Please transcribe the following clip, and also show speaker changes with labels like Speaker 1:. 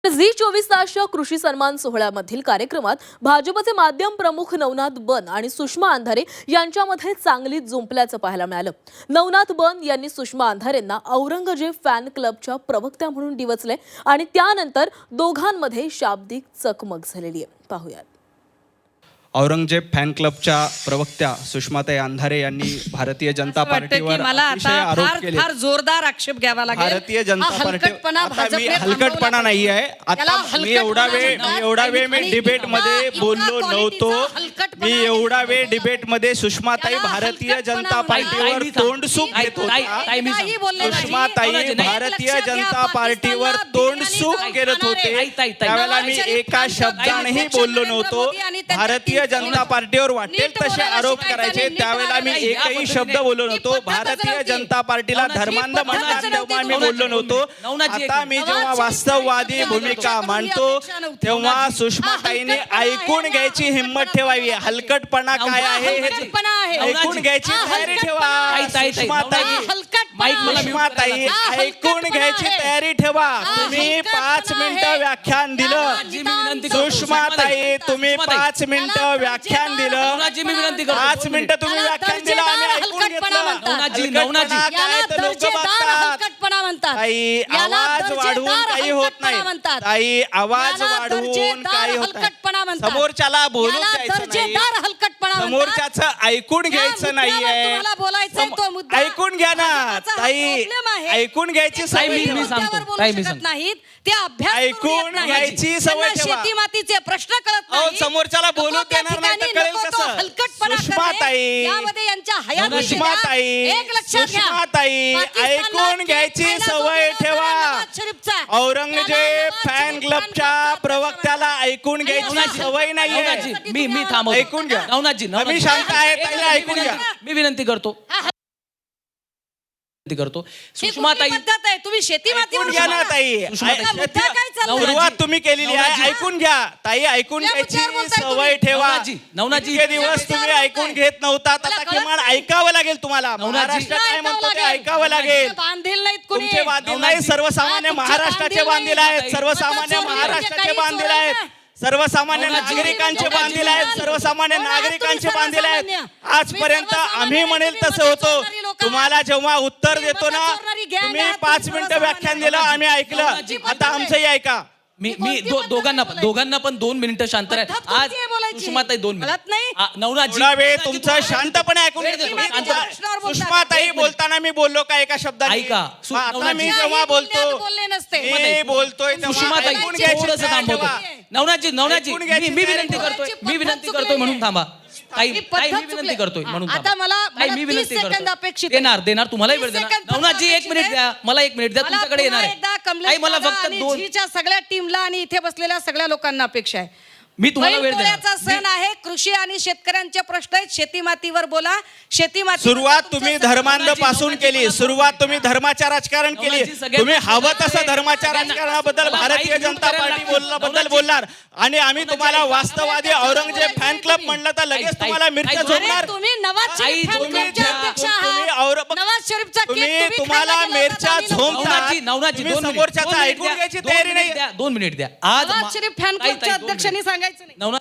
Speaker 1: Zee 24 तासच्या कृषी सन्मान सोहळ्यामधील कार्यक्रमात भाजपचे माध्यम प्रमुख नवनाथ बन आणि सुषमा अंधारे यांच्यामध्ये चांगलीच जुंपल्याचं पाहायला मिळालं। नवनाथ बन यांनी सुषमा अंधारेंना औरंगजेब फॅन क्लबच्या प्रवक्त्या म्हणून डिवचले आणि त्यानंतर दोघांमध्ये शाब्दिक चकमक झालेली आहे। पाहूयात।
Speaker 2: औरंगजेब फॅन क्लबच्या प्रवक्त्या सुषमाताई अंधारे यांनी भारतीय जनता पार्टीवर अतिशय आरोप केले।
Speaker 3: फार जोरदार आक्षेप घ्यावा लागेल।
Speaker 2: भारतीय जनता पार्टी हलकटपणा नाही आहे। आता मी एवढा वेळ मी डिबेट मध्ये बोललो नव्हतो। मी एवढा वेळ डिबेट मध्ये सुषमाताई भारतीय जनता पार्टीवर तोंडसूक घेत होत्या। सुषमाताई भारतीय जनता पार्टीवर तोंडसूक करत होते। त्यावेळेला मी एका शब्दानेही बोललो नव्हतो। भारतीय जनता पार्टीवर वाटेल तसे आरोप करायचे त्यावेळेला मी एकही शब्द बोललो नव्हतो। भारतीय जनता पार्टीला धर्मांध म्हणतात तेव्हा मी बोललो नव्हतो। आता मी जेव्हा वास्तववादी भूमिका मांडतो तेव्हा सुषमाताईंनी ऐकून घ्यायची हिम्मत ठेवावी। हलकटपणा काय आहे हे ऐकून घ्यायची तयारी ठेवा। सुषमाताई ऐकून घ्यायची तयारी ठेवा। तुम्ही 5 मिनिटं व्याख्यान दिलं। सुषमाताई तुम्ही 5 मिनिटं व्याख्यान दिलं। 5 मिनिटं तुम्ही व्याख्यान दिलं आम्ही ऐकून घेतलं। ताई आवाज वाढवून काही होत नाही। ताई आवाज वाढवून काही होत नाही। समोरच्याला बोलू द्यायचं नाही। समोरच्याचं ऐकून घ्यायचं नाहीये। ऐकून घ्या ना ताई। ऐकून घ्यायची सवय
Speaker 3: मी सांगतो ते अभ्यास
Speaker 2: ऐकून घ्यायची सवय ठेवा।
Speaker 3: शेती मातीचे प्रश्न कळत नाही।
Speaker 2: समोरच्याला बोलू देणार नाही तर कळेल कसं। सुषमाताई सुषमाताई ऐकून घ्यायची सवय ठेवा। औरंगजेब फॅन क्लबच्या प्रवक्त्याला ऐकून घ्यायची सवय नाहीये।
Speaker 4: मी थांबवतो।
Speaker 2: ऐकून घ्या
Speaker 4: नवनाथजी
Speaker 2: मी शांत आहे ताईला ऐकून घ्या।
Speaker 4: मी विनंती करतो सुषमाताई
Speaker 3: तुम्ही शेती
Speaker 2: ऐकून घ्या ना ताई। सुरुवात तुम्ही केलेली आहे ऐकून घ्या ताई। ऐकून घ्यायची सवय ठेवा।
Speaker 4: नवनाथजी
Speaker 2: इतके दिवस तुम्ही ऐकून घेत नव्हता आता किमान ऐकावं लागेल तुम्हाला। महाराष्ट्र काय म्हणतो ते ऐकावं लागेल। तुमचे बांधील नाही सर्वसामान्य महाराष्ट्राचे बांधील आहेत। सर्वसामान्य महाराष्ट्राचे बांधील आहेत। सर्वसामान्य नागरिकांचे बांधील आहेत। सर्वसामान्य नागरिकांचे बांधील आहेत। आजपर्यंत आम्ही म्हणेल तसं होतो। तुम्हाला जेव्हा उत्तर देतो ना तुम्ही 5 मिनिटं व्याख्यान दिलं आम्ही ऐकलं। आता आमचंही ऐका।
Speaker 4: मी दोघांना पण 2 मिनिटं शांत राहा। आज सुषमाताई 2 मिनिट। नवनाथजी
Speaker 2: वेळ तुमचं शांतपणे ऐकून सुषमाताई बोलताना मी बोललो का एका शब्दाने?
Speaker 4: ऐका।
Speaker 2: आता मी जेव्हा बोलतो मी बोलतोय
Speaker 4: सुषमाताई थोडंसं थांबवतो। नवनाथजी मी विनंती करतोय म्हणून थांबा। ताई मी विनंती करतोय म्हणून
Speaker 3: आता मला
Speaker 4: मी विनंती
Speaker 3: 30 सेकंद अपेक्षित
Speaker 4: देणार तुम्हाला वेळ देणार।
Speaker 3: 30 सेकंद
Speaker 4: नवनाथजी 1 मिनिट द्या मला। 1 मिनिट द्या तुमच्याकडे येणार आहे। मला फक्त 2
Speaker 3: झीच्या सगळ्या टीमला आणि इथे बसलेल्या सगळ्या लोकांना अपेक्षा आहे।
Speaker 4: मी तुम्हाला वेळ देणार।
Speaker 3: बैलपोळ्याचा सण आहे। कृषी आणि शेतकऱ्यांचे प्रश्न आहेत। शेती मातीवर बोला। शेती माती
Speaker 2: सुरुवात तुम्ही धर्मांध पासून केली। सुरुवात तुम्ही धर्माच्या राजकारण केली। तुम्ही हवं तसं धर्माच्या राजकारणाबद्दल भारतीय जनता पार्टी बद्दल बोलणार आणि आम्ही तुम्हाला वास्तववादी औरंगजेब फॅन क्लब म्हणलं तर लगेच तुम्हाला मिरच्या झोपणार।
Speaker 3: तुम्ही नवाज शरीफ फॅन क्लबचे अध्यक्ष आहात। नवाज शरीफचा केक
Speaker 2: तुम्हाला मिरच्या झोपणार।
Speaker 4: नवनाथजी
Speaker 2: समोरच्याचं ऐकून घ्यायची तयारी नाही।
Speaker 4: 2 मिनिट द्या।
Speaker 3: नवाज शरीफ फॅन क्लबच्या अध्यक्षांनी सांगायचं नाही।